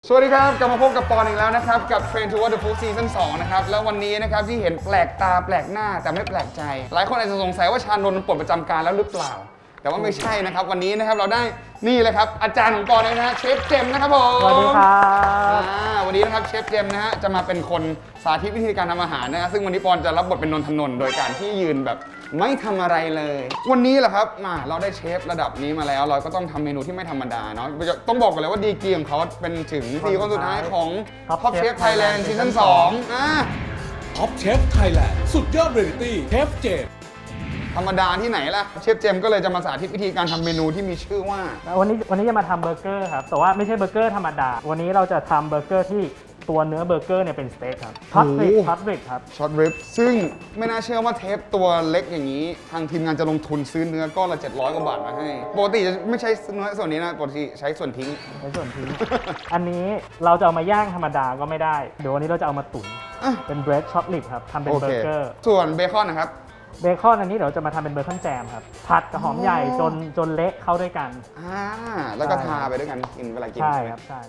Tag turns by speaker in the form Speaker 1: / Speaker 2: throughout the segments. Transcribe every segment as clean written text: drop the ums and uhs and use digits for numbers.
Speaker 1: สวัสดีครับกลับมาพบกับปอนอีกแล้วนะครับกับ Train Towards the Food Season 2 นะครับแล้ววันนี้นะครับที่เห็นแปลกตาแปลกหน้าแต่ไม่แปลกใจ หลายคนอาจจะสงสัยว่าชานนท์ปลดประจำการแล้วหรือเปล่า แต่ว่าไม่ใช่นะครับวันนี้นะครับเราได้นี่เลยครับอาจารย์ของปอนเลยนะฮะเชฟเจมส์นะครับผม
Speaker 2: สวัสดีครับ
Speaker 1: วันนี้นะครับเชฟเจมส์นะฮะจะมาเป็นคนสาธิตวิธีการทำอาหารนะฮะซึ่งวันนี้ปอนจะรับบทเป็นนนทนนท์โดยการที่ยืนแบบไม่ทำอะไรเลย วันนี้แหละครับเราได้เชฟระดับนี้มาแล้วเราก็ต้องทำเมนูที่ไม่ธรรมดาเนาะต้องบอกกันเลยว่าดีกรีของเขาเป็นถึง4 คนสุดท้ายของ Top Chef Thailand Season 2
Speaker 3: ท็อปเชฟไทยแลนด์สุดยอดเรียลิตี้เชฟเจมส์
Speaker 1: ธรรมดาที่ไหนล่ะเชฟเจมส์ก็เลยจะมาสาธิตวิธีการทำเมนูที่มีชื่อว่า
Speaker 2: วันนี้จะมาทำเบอร์เกอร์ครับแต่ว่าไม่ใช่เบอร์เกอร์ธรรมดาวันนี้เราจะทำเบอร์เกอร์ที่ตัวเนื้อเบอร์เกอร์เนี่ยเป็นสเต็กครับพัตริกครับ
Speaker 1: ช็อตริบซึ่งไม่น่าเชื่อว่าเทปตัวเล็กอย่างนี้ ทางทีมงานจะลงทุนซื้อเนื้อก้อนละ700 กว่าบาทมาให้ปกติจะไม่ใช้เนื้อส่วนนี้นะปกติใช้ส่วนทิ้ง
Speaker 2: ในส่วนที่ อันนี้เราจะเอามาย่างธรรมดาก็ไม่ได้เดี๋ยววันนี้เราจะเอามาตุ๋น
Speaker 1: อ่ะ
Speaker 2: เป็นเบรดช็อตลิปครับทำเป็น
Speaker 1: โอ
Speaker 2: เบอ
Speaker 1: เค
Speaker 2: ร์เกอร์
Speaker 1: ส่วนเบคอนนะครับ
Speaker 2: เบคอนอันนี้เดี๋ยวจะมาทำเป็นเบคอนแจมครับผัดกับหอมใหญ่จนเละเข้าด้วยกัน
Speaker 1: แล้วก็
Speaker 2: ใช่
Speaker 1: ทาไปด้วยกันกินเวลากิน
Speaker 2: ใช่ครับใช่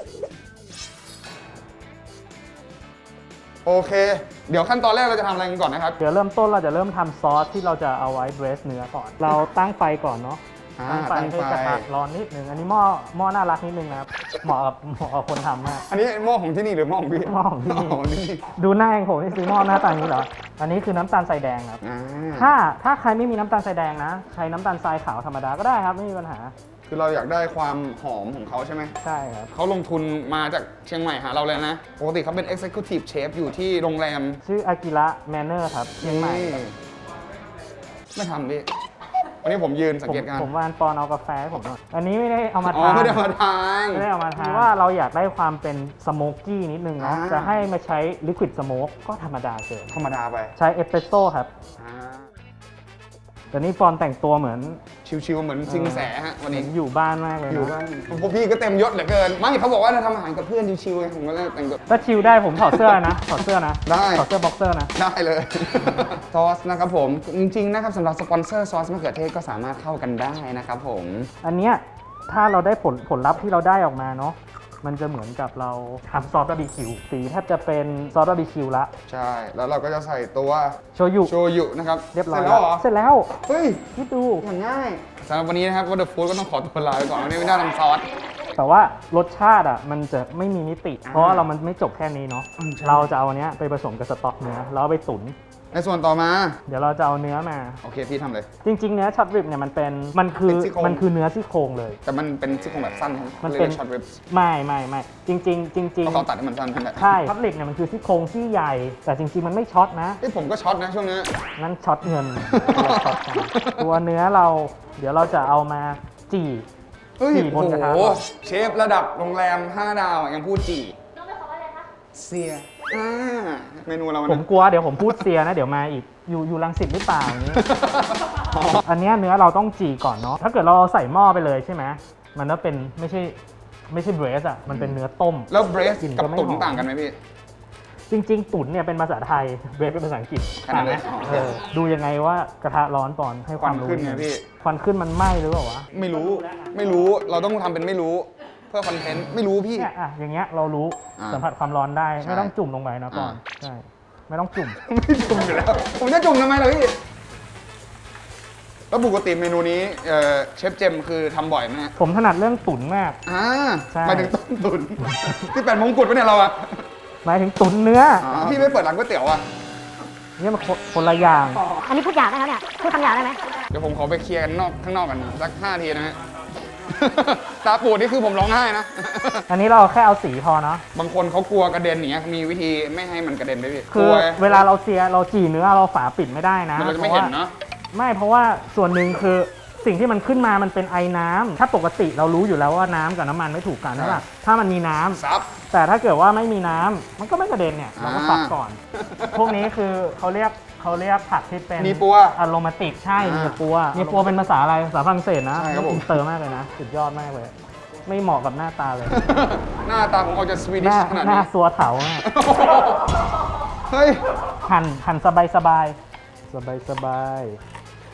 Speaker 1: โอเค เดี๋ยวขั้นตอนแรกเราจะทำอะไรกันก่อนนะครับ
Speaker 2: เดี๋ยวเริ่มต้นเราจะเริ่มทำซอสที่เราจะเอาไว้เบรสเนื้อก่อนเราตั้งไฟก่อนเนาะ ตั้งไฟให้กระทะร้อนนิดนึงอันนี้หม้อน่ารักนิดนึงนะครับเหมาะกับคนทำมาก
Speaker 1: อันนี้หม้อของที่นี่หรือหม้อของพี่
Speaker 2: หม้อของที่นี่
Speaker 1: ของที่นี่
Speaker 2: ดูหน้าเองผมที่ซื้อหม้อหน้าตาอย่างนี้เหรอ อันนี้คือน้ำตาลทรายแดงครับ ถ้าใครไม่มีน้ำตาลทรายแดงนะ ใช้น้ำตาลทรายขาวธรรมดาก็ได้ครับไม่มีปัญหา
Speaker 1: คือเราอยากได้ความหอมของเขาใช่ไหม
Speaker 2: ใช่ครับ
Speaker 1: เขาลงทุนมาจากเชียงใหม่หาเราเลยนะ ปกติเขาเป็น Executive Chef อยู่ที่โรงแรม
Speaker 2: ชื่ออากิระแมนเนอร์ครับเชียงใหม่
Speaker 1: นี่ไม่ทำพี่ วันนี้ผมยืนสังเกตการณ์
Speaker 2: ผมวานปอนเอากาแฟให้ผมหน่อยอันนี้ไม่ได้เอามา
Speaker 1: อ๋อ
Speaker 2: ทาน
Speaker 1: ไม่ได้มาทาน
Speaker 2: ไม่ได้เอามาทานว่าเราอยากได้ความเป็นสโมกกี้นิดนึงเนาะ จะให้มาใช้ลิควิดสโมกก็ธรรมดาเกิน
Speaker 1: ธรรมดาไป
Speaker 2: ใช้เอสเปรสโซ่ครับ
Speaker 1: อ่า
Speaker 2: แต่นี่ปอนแต่งตัวเหมือน
Speaker 1: ชิวๆเหมือนซิงแสฮะวันนี้
Speaker 2: อยู่บ้านมากเลย
Speaker 1: อยู่
Speaker 2: นะ
Speaker 1: บ้านพวกพี่ก็เต็มยศเหลือเกิน ไม่เขาบอกว่าจะทำอาหารกับเพื่อนชิวๆไงผมก็เลยแต่งตัว
Speaker 2: ถ้าชิลได้ผมถอดเสื้อนะ ถอดเสื้อนะ
Speaker 1: ได้
Speaker 2: ถอดเสื้อบ็อกเซอร์นะ
Speaker 1: ได้เลย ซอสนะครับผม จริงๆนะครับสำหรับสปอนเซอร์ซอสมะเขือเทศก็สามารถเข้ากันได้นะครับผม
Speaker 2: อันเนี้ยถ้าเราได้ผลลัพธ์ที่เราได้ออกมาเนาะมันจะเหมือนกับเราทำซอสบาร์บีคิวสีแทบจะเป็นซอสบาร์บีคิวละ
Speaker 1: ใช่ แล้วเราก็จะใส่ตัว
Speaker 2: โชยุ
Speaker 1: โชยุนะครับ
Speaker 2: เรียบร้อย
Speaker 1: เสร็จแล้วเหรอ
Speaker 2: เสร็จแล้ว
Speaker 1: เฮ้ย
Speaker 2: คิดดู
Speaker 1: มันง่ายสำหรับวันนี้นะครับก็เดอะฟู้ดก็ต้องขอตัวลาไปก่อนวันนี้ไม่ได้ทำซอส
Speaker 2: แต่ว่ารสชาติอ่ะมันจะไม่มีมิติ เพราะว่าเรามันไม่จบแค่นี้เนาะ
Speaker 1: ใช่
Speaker 2: เราจะเอาอันเนี้ยไปผสมกับสต๊อกเนื้อแล้วเอาไปตุ๋น
Speaker 1: ในส่วนต่อมา
Speaker 2: เดี๋ยวเราจะเอาเนื้อมา
Speaker 1: โอเคพี่ทำเลย
Speaker 2: จริง ๆ เนื้อช็อตริบเนี่ยมันคือ
Speaker 1: เป็นซี่โครง
Speaker 2: มันคือเนื้อซี่โครงเลย
Speaker 1: แต่มันเป็นซี่โครงแบบสั้นใช่ไหม
Speaker 2: มันเป็น
Speaker 1: ช็อตริบส์
Speaker 2: ไม่จริง
Speaker 1: เพราะเขาตัดให้มันสั้นนั่นแหละ
Speaker 2: ใช่ช็อตริบเนี่ยมันคือซี่โครงที่ใหญ่ แต่จริง ๆ มันไม่ช็อตนะ
Speaker 1: เฮ้ยผมก็ช็อตนะช่วงนี้
Speaker 2: นั่นช็อตเงินเราช็อตกันตัวเนื้อเราเดี๋ยวเราจะเอามาจี่
Speaker 1: เฮ้ย
Speaker 2: จี่บ
Speaker 1: โอ้
Speaker 2: นกระทะ
Speaker 1: โห
Speaker 2: ก่อน
Speaker 1: เชฟระดับโรงแรม 5 ดาวยังพูดจี่เสียเมนูเรา
Speaker 2: ผมกลัวเดี๋ยวผมพูดเสียนะเดี๋ยวมาอีกอยู่รังสิตหรือเปล่าอย่างนี้ อันเนี้ยเนื้อเราต้องจี่ก่อนเนาะถ้าเกิดเราใส่หม้อไปเลยใช่ไหมมันก็เป็นไม่ใช่เบรสอ่ะมันเป็นเนื้อต้ม
Speaker 1: แล้วเบรส
Speaker 2: กลิ่น
Speaker 1: กับ
Speaker 2: ก็ไม่
Speaker 1: ตุ๋น
Speaker 2: หอม
Speaker 1: ต่างกันไหมพี่
Speaker 2: จริง ๆ ตุ๋นเนี่ยเป็นภาษาไทยเบรสเป็นภาษาอังกฤษ
Speaker 1: ขนาดนั้น
Speaker 2: ต่างไหม
Speaker 1: อ๋อ
Speaker 2: ดูยังไงว่ากระทะร้อนก่อนให้ความรู้
Speaker 1: ควันขึ้นไงพี่
Speaker 2: ควันขึ้นมันไหม้หรือเปล่าวะ
Speaker 1: ไม่รู้เราต้องทำเป็นไม่รู้เพื่อคอนเทนต์ไม่รู้พี่
Speaker 2: เนี่ยอย่างเงี้ยเรารู้
Speaker 1: อ่า
Speaker 2: สัมผัสความร้อนได้
Speaker 1: ใช่
Speaker 2: ไม่ต้องจุ่มลงไปนะก่อน
Speaker 1: อ่า
Speaker 2: ใช่ไม่ต้องจุ่ม
Speaker 1: ไม่จุ่มอยู่แล้ว ผมจะจุ่มทำไมล่ะพี่ แล้วปกติเมนูนี้เชฟเจมคือทำบ่อยไหมฮะ
Speaker 2: ผมถนัดเรื่องตุ๋นมาก ใช่
Speaker 1: หมายถึงต้มตุ๋นที่แปดมงกุฎปะเนี่ยเราอะ
Speaker 2: หมายถึงตุ๋นเนื้อ
Speaker 1: พี่ไม่เปิดร้านก๋วยเตี๋ยวอะ
Speaker 2: เนี่ยมันคนละอย่าง
Speaker 4: อันนี้พูดหยาบนะครับเนี่ย พูดคำหยาบได้ไหม
Speaker 1: เดี๋ยวผมขอไปเคลียร์กันข้างนอกกันสัก5 ทีนะฮะ ตาปูดนี่คือผมร้องไห้นะ
Speaker 2: อันนี้เราแค่เอาสีพอเนาะ
Speaker 1: บางคนเขากลัวกระเด็นอย่างเงี้ยมีวิธีไม่ให้มันกระเด็นไหมพี่
Speaker 2: คื
Speaker 1: ก
Speaker 2: อ
Speaker 1: ลัว
Speaker 2: เวลาเราจี่เนื้อเราฝาปิดไม่ได้นะ
Speaker 1: มันเราจะไม่เห็นเนาะ
Speaker 2: ไม่เพราะว่าส่วนหนึ่งคือสิ่งที่มันขึ้นมามันเป็นไอน้ำถ้าปกติเรารู้อยู่แล้วว่าน้ำกับน้ำมันไม่ถูกกันใช่ปะถ้ามันมีน้ำ
Speaker 1: ซับ
Speaker 2: แต่ถ้าเกิดว่าไม่มีน้ำมันก็ไม่กระเด็นเนี่ยเราก็ซับก่อน พวกนี้คือเขาเรียกผักที่เป็น
Speaker 1: มีปัว
Speaker 2: อะโรมาติกใช่มีปัวมีปัวเป็นภาษาอะไรภาษาฝรั่งเศสนะ
Speaker 1: ใช่ครับผม
Speaker 2: อินเตอร์มากเลยนะสุดยอดมากเลย ไม่เหมาะกับหน้าตาเลย
Speaker 1: หน้าตาผมออกจะสวี
Speaker 2: ห
Speaker 1: ดิช
Speaker 2: น้า
Speaker 1: ขนาด
Speaker 2: หน้า
Speaker 1: นี้
Speaker 2: ซัวเถามาก
Speaker 1: เฮ้ย
Speaker 2: หั่นสบายสบาย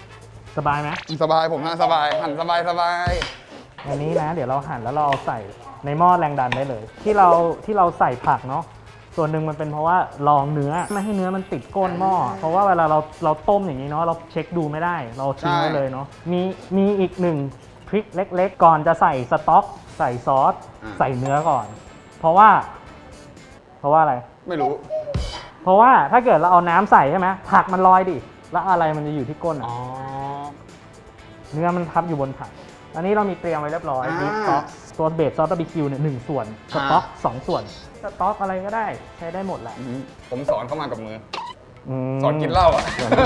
Speaker 2: ไหม
Speaker 1: สบายผมฮะสบายหั่นสบาย
Speaker 2: อันนี้นะ เดี๋ยวเราหั่นแล้วเราเอาใส่ในหม้อแรงดันได้เลย ที่เราใส่ผักเนาะส่วนหนึ่งมันเป็นเพราะว่าลองเนื้อไม่ให้เนื้อมันติดก้นหม้อเพราะว่าเวลาเราต้มอย่างนี้เนาะเราเช็คดูไม่ได้เราทิ้งไว้เลยเนาะมีอีกหนึ่งทริคเล็กๆก่อนจะใส่สต๊อกใส่ซอสใส่เนื้อก่อน เพราะว่าอะไร
Speaker 1: ไม่รู้
Speaker 2: เพราะว่าถ้าเกิดเราเอาน้ำใส่ใช่ไหมผักมันลอยดิแล้วอะไรมันจะอยู่ที่ก้นอ่ะ
Speaker 1: อ๋อ
Speaker 2: เนื้อมันทับอยู่บนผักอันนี้เรามีเตรียมไว้เรียบร้อย
Speaker 1: อ่า
Speaker 2: บีฟซอสตัวเบสซอสบาร์บีคิวเนี่ย1 ส่วนสต๊อก2 ส่วนสต๊อกอะไรก็ได้ใช้ได้หมดแหละ
Speaker 1: ผมสอนเข้ามากับมือ
Speaker 2: ม
Speaker 1: สอนกินเหล้าอ่ะ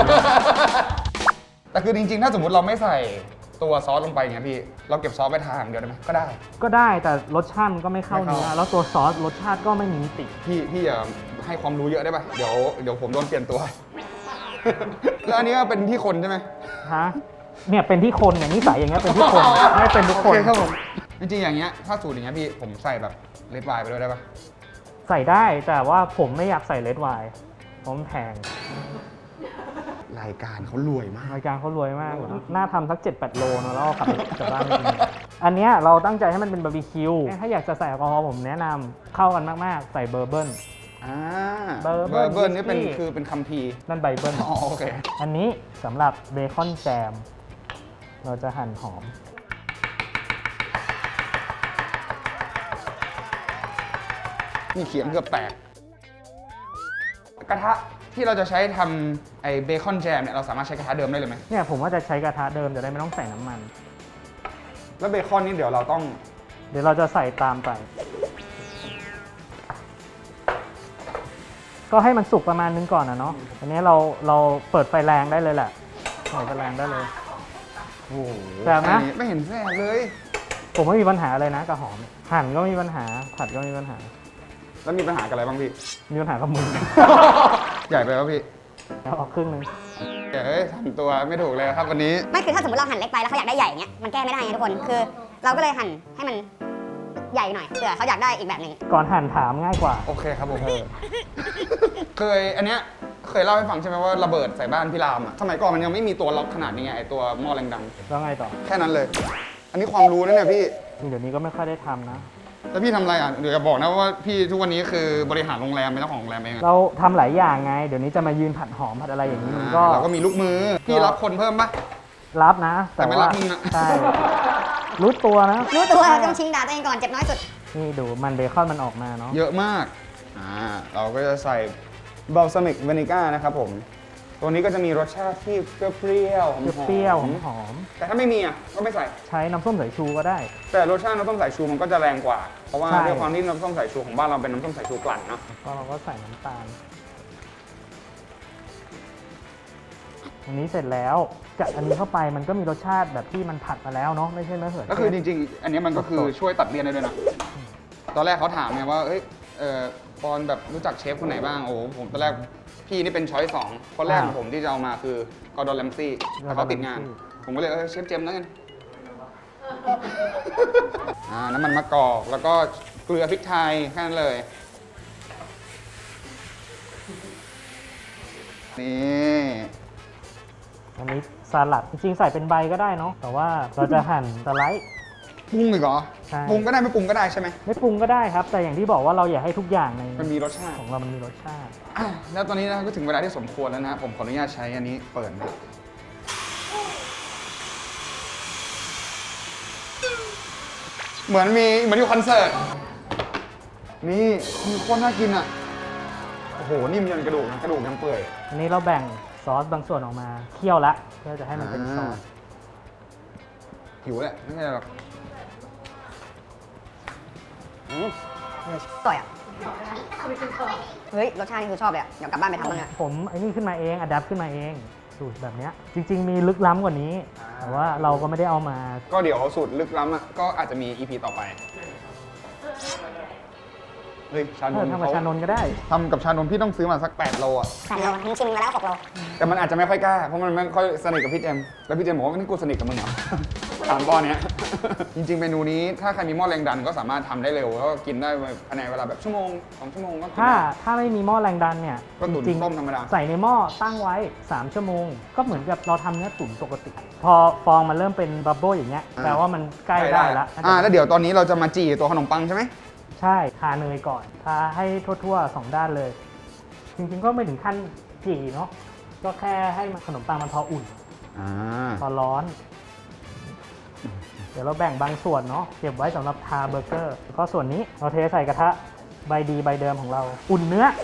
Speaker 1: แต่คือจริงๆ ถ้าสมมติเราไม่ใส่ตัวซอสลงไปเนี่ยพี่ เราเก็บซอสไปทานอย่างเดียวได้ไหมก็ได้
Speaker 2: ก็ได้แต่รสชาติมันก็ไม่เข้า
Speaker 1: ไม่เข้า
Speaker 2: เนื้อแล้วตัวซอสรสชาติก็ไม่มีมิติ
Speaker 1: พี่อย่าให้ความรู้เยอะได้ป่ะ เดี๋ยวผมโดนเปลี่ยนตัว แล้วอันนี้ก็เป็นที่คนใช่ไหม
Speaker 2: ฮะเนี่ยเป็นที่คนเนี่ยนิสัยอย่างเงี้ยเป็นที่คนไม่เป็นทุกคน
Speaker 1: โอเคครับผม จริงๆ อย่างเงี้ย ถ้าสูตรอย่างเงี้ยพี่ ผมใส่แบบเลดไวน์ไปด้วยได้ป่ะ
Speaker 2: ใส่ได้แต่ว่าผมไม่อยากใส่เลดไวน์ผมแพง
Speaker 1: รายการเขารวยมาก
Speaker 2: รายการเขารวยมากเลยน่าทำสัก 7-8 โลเนอะแล้วเอากลับบ้านไปกินอันเนี้ยเราตั้งใจให้มันเป็นบาร์บีคิวถ้าอยากจะใส่แอลกอฮอล์ผมแนะนำเข้ากันมากๆ ใส่เบอร์เบิล
Speaker 1: เบอร์เบิร์นนี่เป็นคัมภีร์
Speaker 2: นั่นไบเบิล
Speaker 1: อ๋อโอเค
Speaker 2: อันนี้สำหรับเบคอนแจม เราจะหั่นหอม
Speaker 1: นี่เขียงเกือบแตก กระทะที่เราจะใช้ทำไอ้เบคอนแจมเนี่ยเราสามารถใช้กระทะเดิมได้เลยไหม
Speaker 2: เนี่ยผมว่าจะใช้กระทะเดิมจะได้ไม่ต้องใส่น้ำมัน
Speaker 1: แล้วเบคอนนี่เดี๋ยวเราต้อง
Speaker 2: เดี๋ยวเราจะใส่ตามไป ก็ให้มันสุกประมาณนึงก่อนนะเนาะอันนี้เราเปิดไฟแรงได้เลยแหละเปิดไฟแรงได้เลย
Speaker 1: โอ้โห
Speaker 2: แสบนะ
Speaker 1: ไม่เห็นแสบเลย
Speaker 2: ผมไม่มีปัญหาเลยนะกับหอม หั่นก็ไม่มีปัญหา ผัดก็ไม่มีปัญหา
Speaker 1: แล้วมีปัญหากับอะไรบ้างพี่
Speaker 2: มีปัญหากับมือ
Speaker 1: ใหญ่ไปป่ะพี่
Speaker 2: เอาออกครึ่งนึง
Speaker 1: เฮ้ยทำตัวไม่ถูกเลยครับวันนี้
Speaker 4: ไม่คือถ้าสมมติเราหั่นเล็กไปแล้วเขาอยากได้ใหญ่อย่างเงี้ยมันแก้ไม่ได้ไงทุกคนคือ เราก็เลยหั่นให้มันใหญ่หน่อยเผื่อเขาอยากได้อีกแบบหนึ่ง
Speaker 2: ก่อนหั่นถามง่ายกว่า
Speaker 1: โอเคครับผมอันเนี้ยเคยเล่าให้ฟังใช่ไหมว่าระเบิดใส่บ้านพี่รามอะสมัยก่อนมันยังไม่มีตัวล็อกขนาดนี้ไงไอตัวหม้อแรงดัน
Speaker 2: แล้วไงต่อ
Speaker 1: แค่นั้นเลย อันนี้ความรู้นะเนี่ยพี่
Speaker 2: เดี๋ยวนี้ก็ไม่ค่อยได้ทำนะ
Speaker 1: แล้วพี่ทำอะไรอ่ะ เดี๋ยวจะบอกนะว่าพี่ทุกวันนี้คือบริหารโรงแรมเป็นเจ้าของโรงแรมเองอะ
Speaker 2: เราทำหลายอย่างไง เดี๋ยวนี้จะมายืนผัดหอมผัดอะไรอย่างนี้มันก็
Speaker 1: เราก็มีลูกมือ พี่รับคนเพิ่มปะ
Speaker 2: รับนะ
Speaker 1: แต่ไม่รับมึงอะ
Speaker 2: ใช่ รู้ตัวนะ
Speaker 4: รู้ตัวต้องชิงด่าตัวเองก่อนเจ็บน้อยสุด
Speaker 2: นี่ดูมันเบคอนมันออกมาเนาะ
Speaker 1: เยอะมาก เราก็จะใส่บัลซามิกวานิก้านะครับผม ตัวนี้ก็จะมีรสชาติที่เปรี้ยวๆหอมๆ
Speaker 2: เปรี้ยวหอม
Speaker 1: แต่ถ้าไม่มีอ่ะก็ไม่ใส่
Speaker 2: ๆใช้น้ำส้มสายชูก็ได้
Speaker 1: แต่รสชาติน้ำส้มสายชูมันก็จะแรงกว่า เพราะว่า
Speaker 2: ใช่
Speaker 1: ด้วยความที่น้ำส้มสายชูของบ้านเราเป็นน้ำส้มสายชูกลั่นเนาะ
Speaker 2: ก็เราก็ใส่น้ำตาล อันนี้เสร็จแล้วจากอันนี้เข้าไปมันก็มีรสชาติแบบที่มันผัดมาแล้วเนาะไม่ใช่มะเขือเทศ
Speaker 1: ก็คือจริงๆ อันนี้มันก็คือช่วยตัดเลี่ยนได้ด้วยนะ ตอนแรกเขาถามไงว่า เอ้ยปอนแบบรู้จักเชฟคนไหนบ้าง โอ้ผมตอนแรกพี่นี่เป็นช้อยสองคนแรกของผมที่จะเอามาคือกอร์ดอนแรมซี่แต่เขาติดงาน ผมก็เลยเชฟเจมส์แล้วกัน น้ำมันมะกอกแล้วก็เกลือพริกไทยแค่นั้นเลย นี่
Speaker 2: อันนี้สลัดจริงๆใส่เป็นใบก็ได้เนาะแต่ว่าเราจะหั่นสไลด์
Speaker 1: ปรุงอีกเหรอ
Speaker 2: ใช่
Speaker 1: ปรุงก็ได้ไม่ปรุงก็ได้ใช่ไหม
Speaker 2: ไม่ปรุงก็ได้ครับ แต่อย่างที่บอกว่าเราอยากให้ทุกอย่างใน
Speaker 1: มันมีรสชาติ
Speaker 2: ของเรามันมีรสชาติ
Speaker 1: แล้วตอนนี้นะก็ถึงเวลาที่สมควรแล้วนะผมขออนุญาตใช้อันนี้เปิดนะเหมือนอยู่คอนเสิร์ต นี่มีโคตรน่ากินอ่ะ โอ้โห นิ่มยันกระดูกนะกระดูกยังเปื่อย
Speaker 2: อันนี้เราแบ่งซอสบางส่วนออกมาเคี่ยวละเพื่อจะให้มันเป็นซอส
Speaker 1: หิวแหละ ไม่ใช่หรอก
Speaker 4: ต่อยอ่ะเฮ้ยรสชาตินี่คือชอบเลยอ่ะเดี๋ยวกลับบ้านไปทำบ้างอ่ะ
Speaker 2: ผมไอ้นี่ขึ้นมาเองอัดแอปขึ้นมาเองสูตรแบบเนี้ยจริง ๆ มีลึกล้ำกว่านี้ แต่ว่าเราก็ไม่ได้เอามา
Speaker 1: ก็เดี๋ยวสูตรลึกล้ำอ่ะก็อาจจะมี EP ต่อไป เฮ้ย ชานม
Speaker 2: ทำกับชานนท์ก็ได้
Speaker 1: ทำกับชานมพี่ต้องซื้อมาสัก8 โลอ่ะ
Speaker 4: 8 โลทิ้งชิมมาแล้ว 6 โล
Speaker 1: แต่มันอาจจะไม่ค่อยกล้า เพราะมันไม่ค่อยสนิทกับพี่เจมส์แล้วพี่เจมส์บอกว่านี่กูสนิทกับมึงเหรอถามบอลเนี้ย จริงๆเมนูนี้ถ้าใครมีหม้อแรงดันก็สามารถทำได้เร็วแล้วก็กินได้ภายในเวลาแบบชั่วโมง2 ชั่วโมงก็กิน
Speaker 2: ถ้าไม่มีหม้อแรงดันเนี่ย
Speaker 1: ก็ตุ๋น
Speaker 2: จริงๆ
Speaker 1: ต้มธรรมดา
Speaker 2: ใส่ในหม้อตั้งไว้ 3 ชั่วโมง ก็เหมือนกับเราทำเนื้อตุ๋นปกติ พอฟองมันเริ่มเป็นบับเบิ้ลอย่างเงี้ยแปลว่ามันใกล้ได้แล้ว
Speaker 1: แล้วเดี๋ยวตอนนี้เราจะมาจี่ตัวขนมปังใช่ไหม
Speaker 2: ใช่ทาเนยก่อนทาให้ทั่วๆ 2 ด้านเลย จริงๆก็ไม่ถึงขั้นจี่เนาะก็แค่ให้ขนมปังมันพออุ่น พอร้อน เดี๋ยวเราแบ่งบางส่วนเนาะเก็บไว้สำหรับทาเบอร์เกอร์แล้วก็ส่วนนี้เราเทใส่กระทะใบดีใบเดิมของเรา อุ่นเนื้อ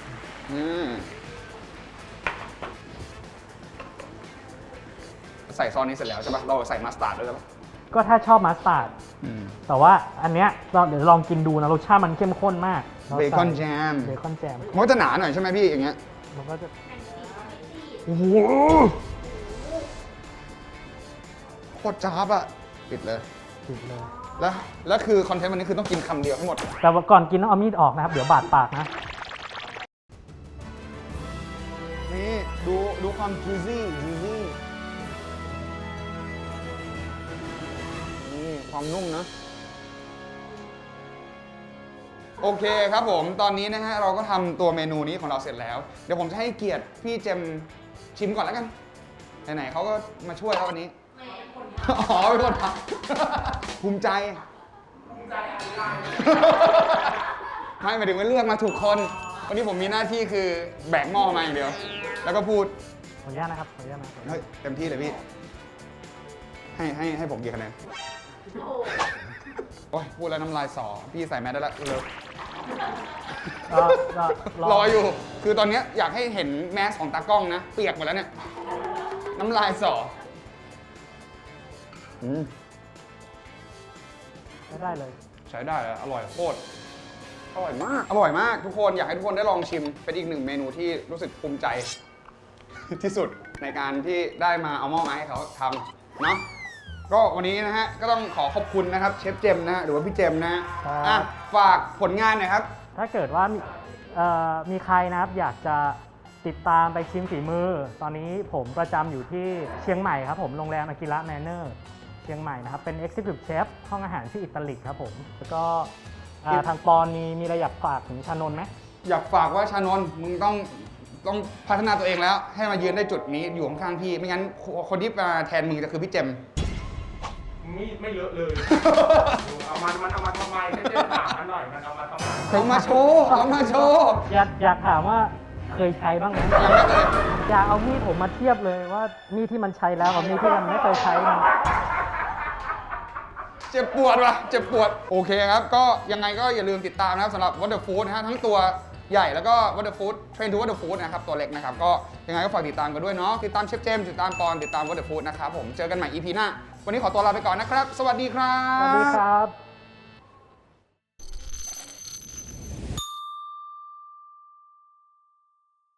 Speaker 1: ใส่ซอสนี้เสร็จแล้วใช่ปะเราใส่มัสตาร์ดด้วยปะ
Speaker 2: ก็ถ้าชอบมัสตาร์ดแต่ว่าอันเนี้ยเดี๋ยวลองกินดูนะรสชาติมันเข้มข้นมาก
Speaker 1: เบคอนแจม
Speaker 2: เบคอนแจม
Speaker 1: มันก็จะหนาหน่อยใช่ไหมพี่อย่างเงี้ย
Speaker 2: มันก็จะ
Speaker 1: โอ้โหโคตรจ้าบอะปิดเลย
Speaker 2: ติดเลย
Speaker 1: แล้วคือคอนเทนต์วันนี้คือต้องกินคำเดียวทั้งหมด
Speaker 2: แต่ว่าก่อนกินต้องเอามีดออกนะครับ เดี๋ยวบาดปากนะ
Speaker 1: นี่ดูความ juicy นี่ความนุ่มนะ โอเคครับผมตอนนี้นะฮะเราก็ทำตัวเมนูนี้ของเราเสร็จแล้ว เดี๋ยวผมจะให้เกียรติพี่เจมชิมก่อนแล้วกันไหนๆเขาก็มาช่วยแล้ววันนี้อ๋อเป็นคนทำภูมิใจไม่หมายถึงว่าเลือกมาถูกคน วันนี้ผมมีหน้าที่คือแบกหม้อมาอย่างเดียว แล้วก็พูด
Speaker 2: ขออนุญาตนะครับขออนุญาตนะ
Speaker 1: เฮ้ยเต็มที่เลยพี่ ให้ผมกี่คะแนนโอ้ยพูดแล้วน้ำลายสอพี่ใส่แมสได้แล้วเร็ว
Speaker 2: ก็
Speaker 1: รออยู่ คือตอนเนี้ยอยากให้เห็นแมสของตากล้องนะ เปียกหมดแล้วเนี่ย น้ำลายสอ
Speaker 2: ได้เลย
Speaker 1: ใช้ได้เลยอร่อยโคตร อร่อยมาก อร่อยมากทุกคน อยากให้ทุกคนได้ลองชิม เป็นอีกหนึ่งเมนูที่รู้สึกภูมิใจ ที่สุดในการที่ได้มาเอาหม้อมาให้เขาทำเนาะ ก็วันนี้นะฮะ ก็ต้องขอขอบคุณนะครับเชฟเจมส์นะฮะหรือว่าพี่เจมส์นะฮะ
Speaker 2: ครับ
Speaker 1: อ่ะฝากผลงานหน่อยครับ
Speaker 2: ถ้าเกิดว่ามีใครนะครับอยากจะติดตามไปชิมฝีมือ ตอนนี้ผมประจำอยู่ที่เชียงใหม่ครับผมโรงแรมอากิระแมนเนอร์เชียงใหม่นะครับ เป็น Executive Chef ห้องอาหารชื่ออิตาลิกครับผม แล้วก็ทางปอนมีอะไรอยากฝากถึงชานนท์ไหม
Speaker 1: อยากฝากว่าชานนท์มึงต้องพัฒนาตัวเองแล้ว ให้มายืนได้จุดนี้อยู่ข้างๆพี่ ไม่งั้นคนที่มาแทนมึงจะคือพี่เจมส์
Speaker 5: ไม่เยอะเลย มันเอามาทำไมไม่ได้ถามมันหน่อย มันเอามาทำไม
Speaker 1: เอามาโชว์เอามาโชว์
Speaker 2: อยากถามว่าเคยใช้บ้างไหม
Speaker 1: ยังไม่เคย
Speaker 2: อยากเอามีดผมมาเทียบเลยว่ามีดที่มันใช้แล้วกับมีดที่มันไม่เคยใช้มัน
Speaker 1: เจ็บปวดว่ะเจ็บปวด โอเคครับ ก็ยังไงก็อย่าลืมติดตามนะครับสำหรับ What the Food นะฮะทั้งตัวใหญ่แล้วก็ What the Food Train to What the Food นะครับตัวเล็กนะครับก็ยังไงก็ฝากติดตามกันด้วยเนาะติดตามเชฟเจมส์ติดตามปอนติดตาม What the Food นะครับผมเจอกันใหม่ EP หน้าวันนี้ขอตัวลาไปก่อนนะครับ สวัสดีครับ
Speaker 2: สวัสดีครับ